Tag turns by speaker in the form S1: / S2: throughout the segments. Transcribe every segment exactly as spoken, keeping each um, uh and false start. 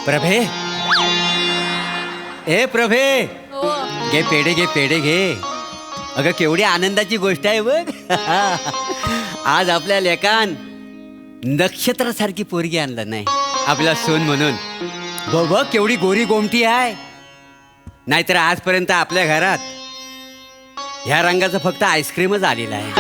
S1: प्रभे ए प्रभे घे पेढे घे पेढे घे. अगं केवढी आनंदाची गोष्ट आहे बघ. आज आपल्या लेकान नक्षत्रासारखी पोरगी आणलं नाही आपला सोन म्हणून. बघ बघ केवढी गोरी गोमटी आहे. नाहीतर आजपर्यंत आपल्या घरात ह्या रंगाचं फक्त आईस्क्रीमच आलेलं आहे.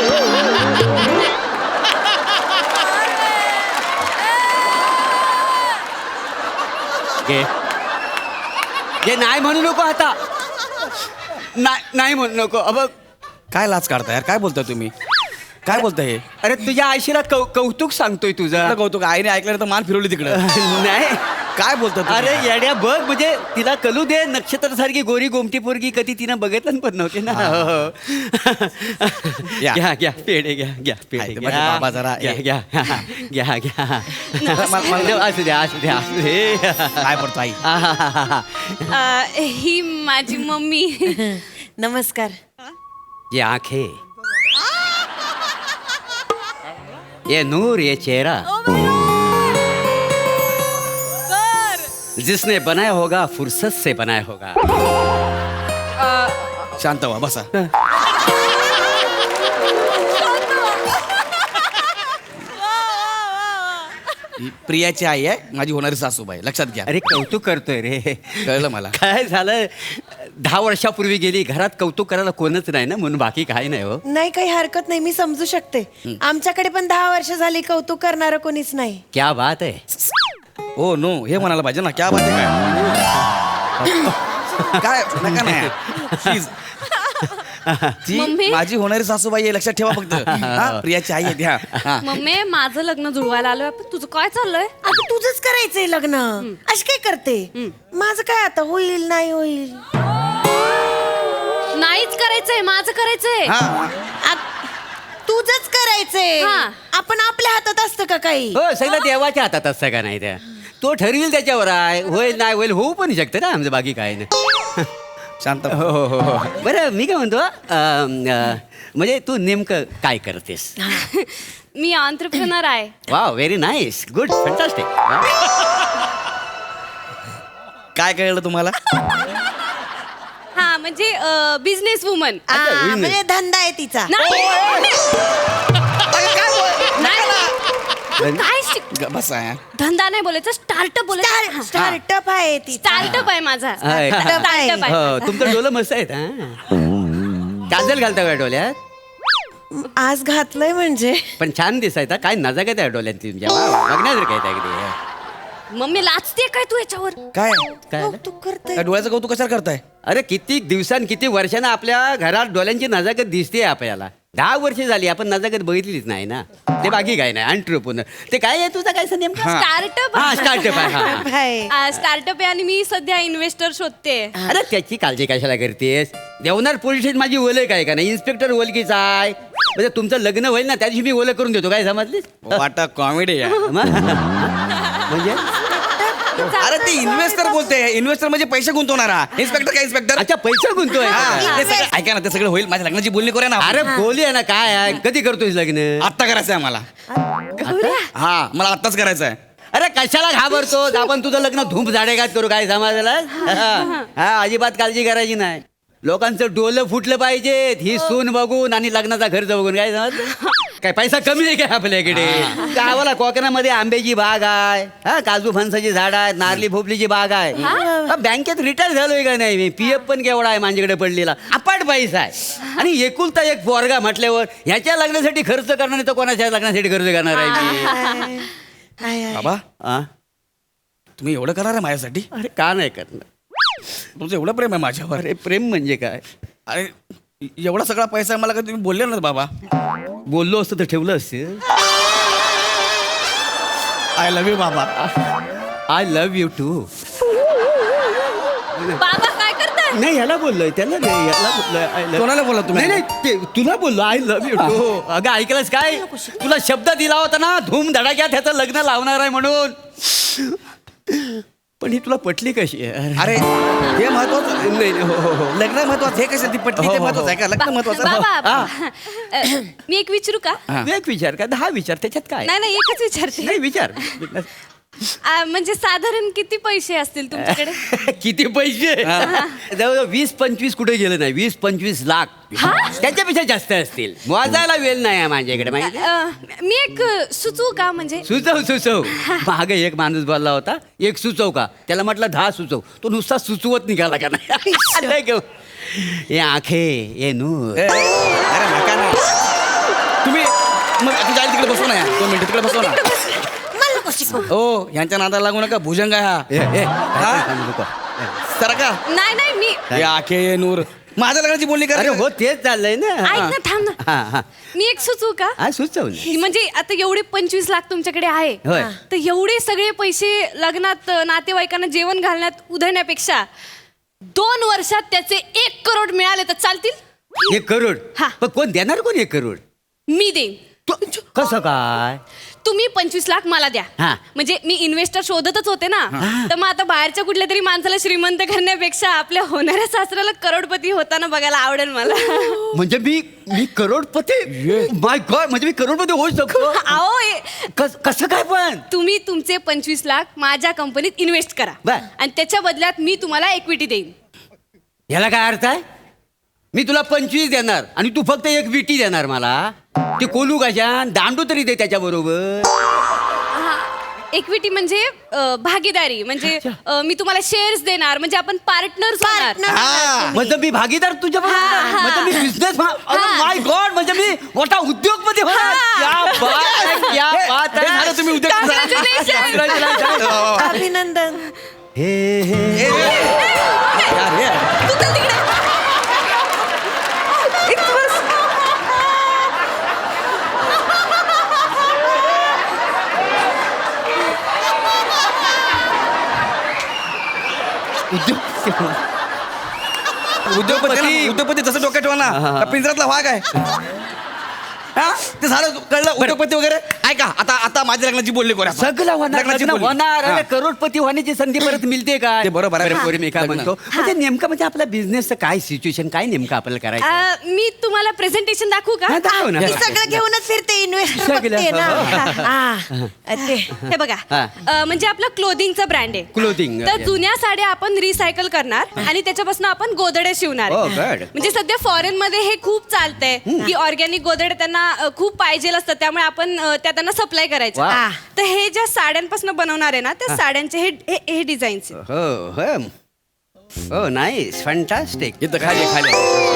S1: घे घे. नाही म्हणू नको आता. नाही नाही म्हणू नको. अब
S2: काय लाच काढताय यार? काय बोलताय तुम्ही? काय बोलताय हे?
S1: अरे तुझ्या आईशीला कौ कौतुक सांगतोय तुझं.
S2: कुठलं कौतुक? आईने ऐकलं तर मान फिरवली तिकडं.
S1: नाही
S2: काय बोलतो?
S1: अरे येड्या बघ, म्हणजे तिला कलू दे. नक्षत्रासारखी गोरी गोमटी पोरगी कधी तिनं बघितलं पण नव्हते ना.
S2: या.
S1: घ्या घ्या पेढे घ्या घ्या पेढे
S2: आहे,
S1: घ्या.
S2: माझे बाबा जरा
S1: घ्या
S2: ए.
S1: घ्या घ्या घ्या.
S2: मला- मला-
S1: असू द्या असू द्या असू दे.
S2: काय पडतो आई?
S3: अ, ही माझी मम्मी.
S4: नमस्कार.
S1: ये आंखें, ये नूर, ये चेहरा, जिसने बनाया होगा फुर्सत से बनाया होगा.
S2: शांत व्हा, बसा. ही प्रियाची आई आहे, माझी होणारी सासूबाई. लक्षात घ्या.
S1: अरे कौतुक करतोय रे.
S2: कळलं मला.
S1: काय झालं, दहा वर्षापूर्वी गेली. घरात कौतुक करायला कोणच नाही ना, म्हणून बाकी काही नाही हो.
S4: नाही, काही हरकत नाही, मी समजू शकते. आमच्याकडे पण दहा वर्ष झाली कौतुक करणारं कोणीच नाही.
S1: क्या बात आहे.
S2: हो नो हे म्हणायला पाहिजे ना. क्या बात आहे? काय काय नका नाही. Please. ती
S3: मम्मी?
S2: माझी होणारी सासूबाई आहे, लक्षात ठेवा फक्त. हा, प्रियाची आई आहे त्या. हा.
S3: मम्मी माझं लग्न जुळवायला आलोय आपण. तुझं काय चाललंय?
S4: आता तुझंच करायचंय लग्न. अशी काय करते? माझं काय आता होईल नाही होईल.
S3: नाहीच करायचंय, माझं करायचंय.
S2: हा.
S4: आ- तुझंच करायचंय.
S3: हा.
S4: आपण आपल्या हातात असतं का काही?
S1: हो सगळं देवाच्या हातात असतं का नाही त्या. तो ठरविल त्याच्यावर आहे. होईल नाही होईल होऊ पण शकतं ना, आमचं बाकी काही नाही.
S2: शांत.
S1: हो हो हो हो. बरं मी काय म्हणतो, अं, अं, म्हणजे तू नेमकं काय करतेस?
S3: मी ऑन्ट्रप्रिनर आहे.
S1: वा व्हेरी नाईस, गुड, फंटास्टिक.
S2: काय कळलं तुम्हाला?
S3: हा म्हणजे बिझनेस वुमन.
S4: आ,
S1: business.
S4: म्हणजे धंदा आहे तिचा.
S3: काय शिक-
S2: ग- बसा यार.
S3: धंदा नाही बोलायचं, स्टार्टअप बोलायचं.
S4: स्टार्टअप आहे तिचा.
S3: स्टार्टअप आहे माझा.
S1: आहे.
S3: स्टार्टअप आहे.
S1: हो तुमचं डोलं मस्त आहेत. हा काजल घालता का डोल्यात?
S4: आज घातलंय म्हणजे.
S1: पण छान दिसायचा. काय नजाकत आहे डोल्यात तुमच्या. वा, बघण्यासारखं आहे अगदी.
S3: मम्मी लाचते काय तू याच्यावर?
S2: काय
S1: काय झालं?
S4: कौतुक करते.
S2: काय डोळ्याचं कौतुक कशाला करताय?
S1: अरे किती दिवसांनी किती वर्षांना आपल्या घरात डोळ्यांची नजाकत दिसते आपल्याला. दहा वर्ष झाली आपण नजाकत बघितलीच नाही ना. ते बाकी काय नाही. अंट्रप्रेन्योर ते काय आहे तुझा काय नेमका?
S3: स्टार्टअप.
S1: हा स्टार्टअप आहे. हा.
S4: आहे.
S3: स्टार्टअप आहे आणि मी सध्या इन्व्हेस्टर शोधते.
S1: अरे त्याची काळजी कशाला करतेस? देवनार पोलीस स्टेशन माझी ओळख आहे का नाही? इन्स्पेक्टर ओळखीचा आहे. म्हणजे तुमचं लग्न होईल ना त्या दिवशी मी ओळख करून देतो. काय समजलीस?
S2: वाटा कॉमेडी आहे.
S1: म्हणजे
S2: अरे ते इन्व्हेस्टर बोलते. इन्व्हेस्टर म्हणजे पैसे गुंतवणारा. इन्स्पेक्टर काय इन्स्पेक्टर?
S1: अच्छा पैसा गुंतोय.
S2: हा, ते सगळं ऐका ना, ते सगळं होईल. माझ्या लग्नाची बोलणी करूया ना.
S1: अरे बोली आहे ना. काय आहे, कधी करतोयस लग्न?
S2: आत्ता करायचं आहे मला. हा मला आत्ताच करायचं आहे.
S1: अरे कशाला घाबरतो? आपण तुझं लग्न धूप झाडेगात करू. काय समाजाला? हा अजिबात काळजी करायची नाही. लोकांचं डोलं फुटलं पाहिजे ही सून बघून आणि लग्नाचा खर्च बघून. काय समजलं? काय पैसा कमी नाही काय आपल्याकडे? गावाला कोकणामध्ये आंब्याची बाग आहे. हा काजू फणसाची झाड आहेत. नारली भोपलीची बाग आहे. हा, बँकेत रिटायर झालोय का नाही मी. पीएफ पण केवढा आहे माझ्याकडे पडलेला. अपाट पैसा आहे. आणि एकुलता एक पोरगा म्हटल्यावर ह्याच्या लग्नासाठी खर्च करणार नाही तर कोणाच्या लग्नासाठी खर्च करणार आहे मी?
S4: आहे, आहे.
S2: बाबा
S1: हा?
S2: तुम्ही एवढं करणार आहे माझ्यासाठी?
S1: अरे का नाही करणार?
S2: तुमचं एवढं प्रेम आहे माझ्यावर.
S1: अरे प्रेम म्हणजे काय?
S2: अरे एवढा सगळा पैसा आहे मला कधी तुम्ही बोलले ना बाबा.
S1: बोललो असतं तर ठेवलं असतं.
S2: आय लव्ह यू बाबा.
S1: I love you too.
S3: बाबा काय करताय?
S1: नाही याला बोललोय त्याला नाही याला बोललोय आय लव्ह.
S2: कोणाला बोलला तुम्ही?
S1: नाही नाही ते तुला बोललो आय लव्ह यू टू. अगं ऐकलंस काय? तुला शब्द दिला होता ना धूम धडाक्यात ह्याचं लग्न लावणार आहे म्हणून. पण ही तुला पटली कशी आहे?
S2: अरे हे महत्वाचं.
S1: नाही नाही, हो हो हो
S2: लग्न महत्वाचं. हे कसं ती पटली ते महत्वाचं आहे का? लग्न महत्वाचं.
S3: बाबा अ, मी एक विचारू का?
S2: हा.
S1: एक विचार का दहा विचार त्याच्यात काय?
S3: नाही नाही एकच विचारते.
S1: नाही विचार.
S3: आ, म्हणजे साधारण किती पैसे असतील तुमच्याकडे?
S1: किती पैसे जवळजवळ वीस पंचवीस कुठे गेलं नाही वीस पंचवीस लाख त्याच्यापेक्षा जास्त असतील मोजायला वेळ नाही आहे माझ्याकडे माहिती
S3: अ, मी एक सुचवू का म्हणजे?
S1: सुचव सुचव मागे एक माणूस बोलला होता एक सुचव का त्याला म्हटलं दहा सुचव तो नुसता सुचवत निघाला का नाही अरे घेऊ. ये आखे ये नूर
S2: ए, अरे नका ना तुम्ही मग तू जाईल तिकडे बसू ना यार. दोन मिनिटं तिकडे बसू ना
S4: मला नको शिकवू.
S2: ओ ह्यांच्या नादाला लागू नका भुजंग आहे हा
S1: ए, ए,
S2: हा?
S1: नको.
S2: सरका
S3: नाही नाही मी
S2: हे आखे ये नूर माझ्या लग्नाची बोलणी
S1: अरे
S2: कर
S1: हो तेच चाललंय ना
S3: ऐक ना थांब ना
S1: हा हा
S3: मी एक सुचवू का?
S1: हा सुचव ना.
S3: म्हणजे आता एवढे पंचवीस लाख तुमच्याकडे आहे
S1: होय.
S3: तर एवढे सगळे पैसे लग्नात अ, नातेवाईकांना जेवण घालण्यात उधळण्यापेक्षा दोन वर्षात त्याचे एक करोड मिळाले तर चालतील?
S1: एक करोड
S3: हा.
S1: पण कोण देणार कोण एक करोड
S3: मी देईन.
S1: तू कसं काय
S3: तुम्ही पंचवीस लाख मला द्या.
S1: हा.
S3: म्हणजे मी इन्व्हेस्टर शोधतच होते ना तर मग आता बाहेरच्या कुठल्या तरी माणसाला श्रीमंत करण्यापेक्षा आपल्या होणाऱ्या सासऱ्याला करोडपती होताना बघायला आवडेल मला.
S1: म्हणजे मी मी करोडपती माय गॉड म्हणजे मी करोडपती होऊ शकतो
S3: अहो हे-
S1: कस- कसं काय पण
S3: तुम्ही तुमचे पंचवीस लाख माझ्या कंपनीत इन्व्हेस्ट करा
S1: बर.
S3: आणि त्याच्या बदल्यात मी तुम्हाला इक्विटी देईन.
S1: याला काय अर्थ आहे मी तुला पंचवीस देणार आणि तू फक्त एक विटी देणार मला ते कोलू कशा दांडू तरी दे त्याच्या बरोबर
S3: इक्विटी म्हणजे अ, भागीदारी म्हणजे अ, मी तुम्हाला शेअर्स देणार म्हणजे आपण पार्टनर्स होणार.
S4: Partner.
S1: म्हणजे मी भागीदार तुझ्या
S3: हा, हा.
S1: म्हणजे मी बिझनेस
S3: हा.
S1: माय गॉड म्हणजे मी मोठा उद्योगपती होणार
S3: हा.
S1: क्या बात आहे, क्या बात
S2: हे झालं
S1: आहे.
S2: तुम्ही उद्या
S3: Congratulations.
S1: Congratulations.
S4: अभिनंदन.
S1: हे हे
S2: यार हे
S3: तू चल तिकडे.
S1: उद्योग
S2: उद्योगपती उद्योगपती जसं डोक्यात ठेवा ना का पिंजरातला वाघ आहे हा ते झालं कळलं उद्योगपती वगैरे ऐका आता आता माझ्या लग्नाची बोलली करूया आपण.
S1: सगळं होणार
S2: लग्नाची
S1: लग्न
S2: बोलणी.
S1: होणार
S2: हा.
S1: अरे करोडपती होण्याची संधी परत मिळते का
S2: ते बरोबर आहे.
S1: बरोबर मी काय
S2: लग्न.
S1: म्हणतो म्हणजे नेमकं म्हणजे आपल्या बिझनेसचं काय सिच्युएशन काय नेमकं आपल्याला करायचं
S3: अ, मी तुम्हाला प्रेझेंटेशन दाखवू का?
S1: हा, दाखव ना.
S4: मी सगळं घेऊनच फिरते इन्व्हेस्टर
S1: सगळं.
S4: बघते ना. हा. ते.
S3: हे बघा
S1: हा.
S3: अ, म्हणजे आपलं क्लोथिंगचा ब्रँड आहे.
S1: Clothing,
S3: तर
S1: yeah.
S3: जुन्या साड्या आपण रिसायकल करणार आणि त्याच्यापासून आपण गोदड्या शिवणार
S1: Oh,
S3: आहे.
S1: good.
S3: म्हणजे सध्या फॉरेन मध्ये हे खूप चालतंय की ऑर्गॅनिक गोदड्या त्यांना अ, खूप पाहिजे असतात त्यामुळे आपण अ, त्या त्यांना सप्लाय करायचं.
S1: वा.
S3: तर हे ज्या साड्यांपासून बनवणार आहे ना त्या साड्यांचे हे हे- हे डिझाईन्स
S1: हो हो हो नाईस फंटास्टिक
S2: इथं खाली खाली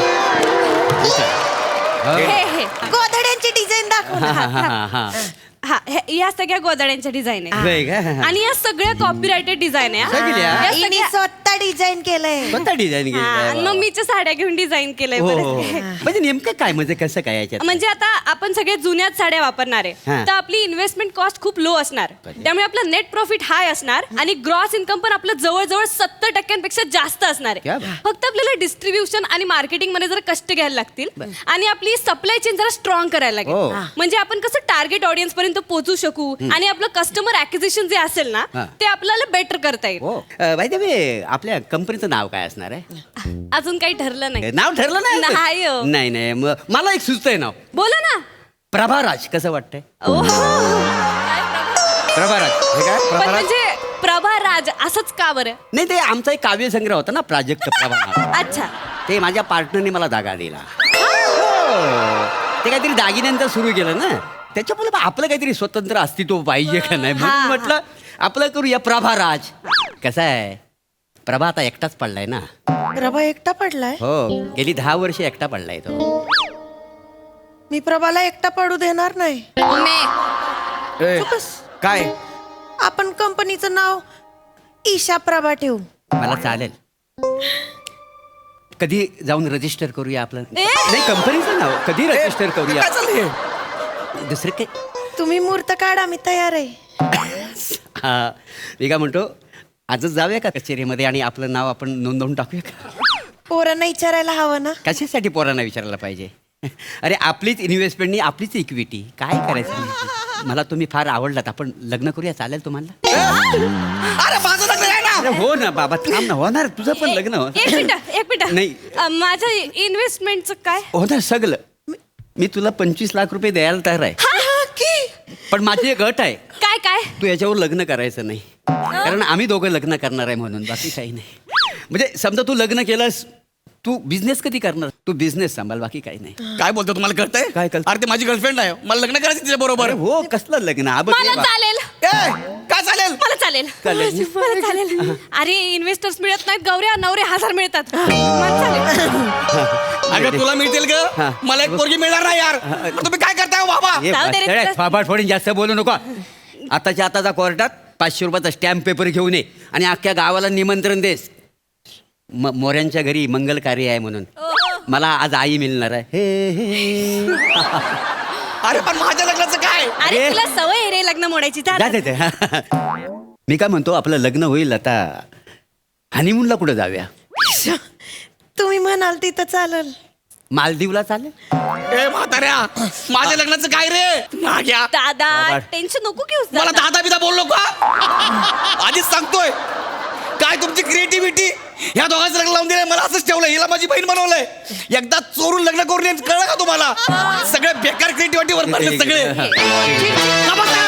S3: हे हे
S4: गोधड्यांची डिझाईन दाखव ना.
S1: हा हा हा
S3: हा हे- या सगळ्या गोदड्यांच्या डिझाईन आहे
S1: होय का?
S3: आणि या सगळ्या कॉपीरायटेड डिझाईन आहे हा.
S1: सगळ्या?
S3: या
S4: हिने
S3: सगळ्या
S4: स्वतः डिझाईन केलंय.
S1: कोणता डिझाईन
S3: हा, आणि मम्मीच्या साड्या घेऊन डिझाईन केलंय
S1: हो
S3: बरंच
S1: हो.
S3: काही.
S1: म्हणजे नेमकं काय म्हणजे कसं काय याच्यात
S3: म्हणजे आता आपण सगळे जुन्याच साड्या वापरणार आहे
S1: हा.
S3: तर आपली इन्व्हेस्टमेंट कॉस्ट खूप लो असणार त्यामुळे आपलं नेट प्रॉफिट हाय असणार आणि ग्रॉस इन्कम पण आपलं जवळजवळ सत्तर टक्क्यांपेक्षा जास्त असणार
S1: क्या
S3: आहे.
S1: बात.
S3: फक्त आपल्याला डिस्ट्रीब्युशन आणि मार्केटिंग मध्ये जरा कष्ट घ्यायला लागतील आणि आपली सप्लाय चेन जरा स्ट्रॉंग करायला
S1: हो.
S3: लागेल म्हणजे आपण कसं टार्गेट ऑडियन्स पर्यंत पोहोचू शकू आणि आपलं कस्टमर ऍक्विजिशन जे असेल ना
S1: हा.
S3: ते आपल्याला बेटर करता येईल.
S1: हो बाय द वे आपल्या कंपनीचं नाव काय असणार आहे
S3: अजून काही ठरलं नाही.
S1: नाव ठरलं नाही
S3: नाही हो.
S1: नाही नाही मग मला एक सुचतंय नाव
S3: बोला ना.
S1: प्रभाराज कसं वाटतंय
S3: ओहो.
S1: प्रभाराज हे काय
S3: पण
S1: प्रभाराज
S3: म्हणजे प्रभा राज असंच का बरं?
S1: नाही ते आमचा एक काव्यसंग्रह होता ना प्राजक्त प्रभा
S3: अच्छा.
S1: ते माझ्या पार्टनरने मला दागा दिला हो. ते काहीतरी दागिन्यांचं सुरू केलं ना त्याच्यामुळे मग आपलं काहीतरी स्वतंत्र अस्तित्व पाहिजे का नाही म्हणून
S3: हा, हा.
S1: म्हटलं आपलं करूया प्रभाराज कसं आहे प्रभा आता एकटाच पडलाय ना
S4: प्रभा एकटा पडलाय.
S1: हो गेली दहा वर्ष एकटा पडलाय तो
S4: मी प्रभाला एकटा पडू देणार नाही.
S3: मे.
S2: ए,
S4: चुकस.
S2: काय
S4: आपण कंपनीचं नाव ईशा प्रभा ठेवू.
S1: मला चालेल कधी जाऊन रजिस्टर करूया आपलं
S3: ए!
S1: नाही कंपनीचं नाव कधी रजिस्टर करूया
S2: काय चाललंय
S1: दुसरं काय
S4: तुम्ही मूर्त काढा मी तयार आहे.
S1: हा मी काय म्हणतो आजच जाऊया का कचेरीमध्ये आणि आपलं नाव आपण नोंदवून टाकूया का
S4: पोरांना विचारायला हवं ना.
S1: कशासाठी पोरांना विचारायला पाहिजे अरे आपलीच इन्व्हेस्टमेंटनी आपलीच इक्विटी काय करायचं मला तुम्ही फार आवडलात आपण लग्न करूया चालेल तुम्हाला
S2: अरे माझं लग्न आहे ना
S1: अरे हो ना बाबा थांब ना होणार तुझं पण लग्न हो
S3: एक मिनिट एक मिनिट
S1: नाही.
S3: अ, माझ्या इन्व्हेस्टमेंटचं काय?
S1: होणार सगळं मी तुला पंचवीस लाख रुपये द्यायला तयार आहे
S4: हा, हा, की?
S1: पण माझी एक अट आहे
S3: काय काय
S1: तू याच्यावर लग्न करायचं नाही कारण आम्ही दोघं लग्न करणार आहे म्हणून बाकी काही नाही. म्हणजे समजा तू लग्न केलंस तू बिझनेस कधी करणार तू बिझनेस सांभाळ बाकी काही नाही.
S2: काय बोलतो तुम्हाला कळतंय
S1: काय कळतंय?
S2: अरे ते माझी गर्लफ्रेंड आहे मला लग्न करायचं तिच्या बरोबर
S1: अरे हो कसलं लग्न हा बघ हे
S3: मला
S1: बघ.
S3: चालेल
S2: काय चालेल
S3: मला चालेल
S1: चालेल.
S3: मला चालेल अरे इन्व्हेस्टर्स मिळत नाहीत गौऱ्या नवरे हजार मिळतात मला चालेल.
S2: अगं तुला मिळतील
S1: हा.
S2: ग मला एक पोरगी मिळणार नाही यार तुम्ही काय करताय हो बाबा
S1: हे
S3: जाऊ दे रे
S1: बस,
S3: तुला.
S1: फाफाट फोडून जास्त बोलू नको आताच्या आताचा कोर्टात पाचशे रुपयाचा स्टॅम्प पेपर घेऊन ये आणि अख्ख्या गावाला निमंत्रण देस म- मोऱ्यांच्या घरी मंगल कार्य आहे म्हणून मला आज आई मिळणार आहे हे, हे.
S2: अरे पण माझ्या लग्नाचं काय
S3: अरे
S1: अरे.
S3: तुला सवय आहे रे लग्न मोडायची जा.
S1: जा, जा, जा. मी काय म्हणतो आपलं लग्न होईल आता हनीमूनला कुठं जाऊया
S4: तुम्ही म्हणाल तिथं चालल.
S1: मालदीवला चालेल
S2: ए म्हाताऱ्या माझ्या लग्नाचं काय रे नाग्या
S3: दादा
S1: बाबा.
S3: टेन्शन नको घेऊस
S2: मला
S3: दादा.
S2: दादा बिदा बोललो का आधीच सांगतोय काय तुमची क्रिएटिव्हिटी ह्या दोघांचं लग्न लावून दिलंय मला असंच ठेवलं हिला माझी बहीण बनवलंय एकदा चोरून लग्न करून येत कळलं का तुम्हाला सगळे बेकार क्रिएटिव्हिटी वर पडले सगळे
S3: चिड- चिड-
S2: का बसा?